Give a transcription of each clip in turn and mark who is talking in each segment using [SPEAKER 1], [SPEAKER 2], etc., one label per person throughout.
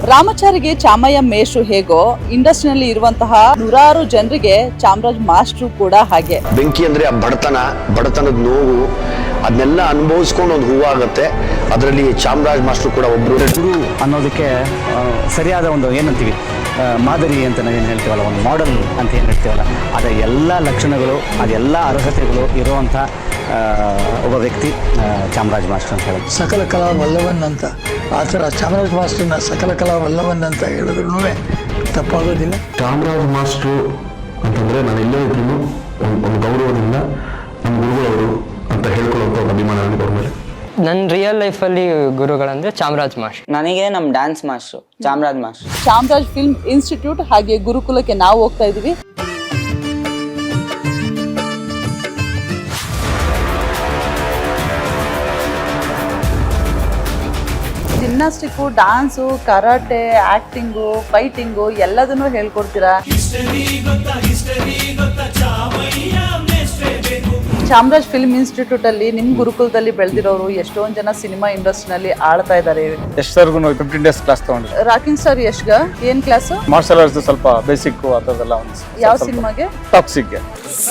[SPEAKER 1] ರಾಮಚಾರಿಗೆ ಚಾಮಯ್ಯ ಮೇಷ್ಟ್ರು ಹೇಗೋ ಇಂಡಸ್ಟ್ರಿನಲ್ಲಿ ಇರುವಂತಹ ನೂರಾರು ಜನರಿಗೆ ಚಾಮರಾಜ್ ಮಾಸ್ಟ್ರು ಕೂಡ ಹಾಗೆ.
[SPEAKER 2] ಬೆಂಕಿ ಅಂದ್ರೆ ಆ ಬಡತನದ ನೋವು ಅದನ್ನೆಲ್ಲ ಅನುಭವಿಸ್ಕೊಂಡು ಒಂದು ಹೂವಾಗುತ್ತೆ. ಅದರಲ್ಲಿ ಚಾಮರಾಜ್ ಮಾಸ್ಟ್ರು ಕೂಡ ಒಬ್ರು.
[SPEAKER 3] ಗುರು ಅನ್ನೋದಕ್ಕೆ ಸರಿಯಾದ ಒಂದು ಏನಂತೀವಿ ಮಾದರಿ ಅಂತ ನಾವೇನು ಹೇಳ್ತೀವಲ್ಲ, ಒಂದು ಮಾಡೆಲ್ ಅಂತ ಏನು ಹೇಳ್ತೀವಲ್ಲ, ಅದರ ಎಲ್ಲ ಲಕ್ಷಣಗಳು ಅದೆಲ್ಲ ಅರ್ಹತೆಗಳು ಇರುವಂಥ ಒಬ್ಬ ವ್ಯಕ್ತಿ ಚಾಮರಾಜ್ ಮಾಸ್ಟರ್ ಅಂತ ಹೇಳೋದು.
[SPEAKER 4] ಸಕಲ ಕಲಾ ವಲ್ಲವನ್ ಅಂತ ಆ ಥರ ಚಾಮರಾಜ್ ಮಾಸ್ಟರ್ನ ಸಕಲ ಕಲಾ ವಲ್ಲವನ್ ಅಂತ ಹೇಳಿದ್ರು ತಪ್ಪಾಗೋದಿಲ್ಲ.
[SPEAKER 5] ಚಾಮರಾಜ್ ಮಾಸ್ಟ್ರು ಅಂತಂದರೆ ನಾನು ಎಲ್ಲೇ ಇದ್ರೂ ಒಂದು ಗೌರವದಿಂದ ನಮ್ಮ ಗುರುಗಳವರು ಅಂತ ಹೇಳ್ಕೊಳ್ಳೋಂಥ ಒಂದು ಅಭಿಮಾನ ನನಗೆ ಅವ್ರ ಮೇಲೆ.
[SPEAKER 6] ನನ್ನ ರಿಯಲ್ ಲೈಫಲ್ಲಿ ಗುರುಗಳಂದ್ರೆ ಚಾಮರಾಜ್ ಮಾಸ್ಟರ್.
[SPEAKER 7] ನನಗೆ ನಮ್ಮ dance master Chamaraj master.
[SPEAKER 1] Chamaraj film institute ಹಾಗೆ ಗುರುಕುಲಕ್ಕೆ ನಾವು ಹೋಗ್ತಾ ಇದೀವಿ. Gymnastic, dance, karate, acting, fighting ಎಲ್ಲದನ್ನೂ ಹೇಳ್ಕೊಡ್ತೀರಾ. ಚಾಮರಾಜ್ ಫಿಲ್ಮ್ ಇನ್ಸ್ಟಿಟ್ಯೂಟ್ ಅಲ್ಲಿ ನಿಮ್ ಗುರುಕುಲದಲ್ಲಿ ಬೆಳೆದಿರೋರು ಎಷ್ಟೊಂದ್ ಜನ ಸಿನಿಮಾ ಇಂಡಸ್ಟ್ರಿನಲ್ಲಿ ಆಳ್ತಾ ಇದ್ದಾರೆ.
[SPEAKER 8] ಯಶ್ ಸರ್ಗು 15 ಡೇಸ್ ಕ್ಲಾಸ್ ತಗೊಂಡ್ರಿ.
[SPEAKER 1] ರಾಕಿಂಗ್ ಸ್ಟಾರ್ ಯಶ್ಗ ಏನ್ ಕ್ಲಾಸ್?
[SPEAKER 8] ಮಾರ್ಷಲ್ ಆರ್ಟ್ಸ್ ಸ್ವಲ್ಪ ಬೇಸಿಕ್ ಅದೆಲ್ಲ ಒಂದು.
[SPEAKER 1] ಯಾವ ಸಿನಿಮಾಗೆ?
[SPEAKER 8] ಟಾಕ್ಸಿಕ್ಗೆ.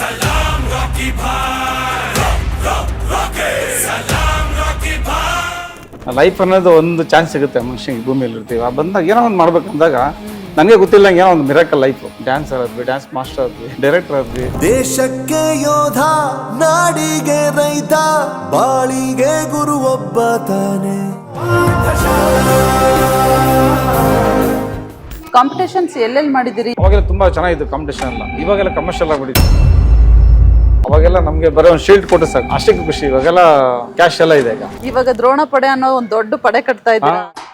[SPEAKER 8] ಲೈಫ್ ಅನ್ನೋದು ಒಂದು ಚಾನ್ಸ್ ಸಿಗುತ್ತೆ ಮನುಷ್ಯನಿಗೆ. ಭೂಮಿಯಲ್ಲಿ ಇರ್ತೀವಿ, ಆ ಬಂದಾಗ ಏನೋ ಒಂದು ಮಾಡ್ಬೇಕಂದಾಗ ನನಗೆ ಗೊತ್ತಿಲ್ಲ ಏನೋ ಒಂದು ಮಿರಾಕಲ್ ಲೈಫ್. ಡ್ಯಾನ್ಸರ್ ಆದ್ವಿ, ಡ್ಯಾನ್ಸ್ ಮಾಸ್ಟರ್ ಆದ್ವಿ, ಡೈರೆಕ್ಟರ್ ಆದ್ವಿ.
[SPEAKER 9] ದೇಶಕ್ಕೆ ಯೋಧ, ನಾಡಿಗೆ ರೈತ, ಬಾಳಿಗೆ ಗುರು ಒಬ್ಬ ತಾನೆ.
[SPEAKER 1] ಕಾಂಪಿಟೇಷನ್ಸ್ ಎಲ್ಲೆಲ್ಲಿ ಮಾಡಿದಿರಿ?
[SPEAKER 8] ಅವಾಗೆಲ್ಲ ತುಂಬಾ ಚೆನ್ನಾಗಿತ್ತು ಕಾಂಪಿಟೇಷನ್ ಎಲ್ಲ. ಇವಾಗೆಲ್ಲ ಕಮರ್ಷಿಯಲ್ ಆಗ್ಬಿಟ್ಟಿದೆ. ಅವಾಗೆಲ್ಲ ನಮ್ಗೆ ಬರೋ ಒಂದು ಶೀಲ್ಡ್ ಕೊಟ್ಟು ಸಾಕು, ಅಷ್ಟಕ್ಕೆ ಖುಷಿ. ಇವಾಗೆಲ್ಲ ಕ್ಯಾಶ್ ಎಲ್ಲ ಇದೆ.
[SPEAKER 1] ಇವಾಗ ದ್ರೋಣ ಪಡೆ ಅನ್ನೋ ಒಂದು ದೊಡ್ಡ ಪಡೆ ಕಟ್ತಾ ಇದ್ದೀರಾ.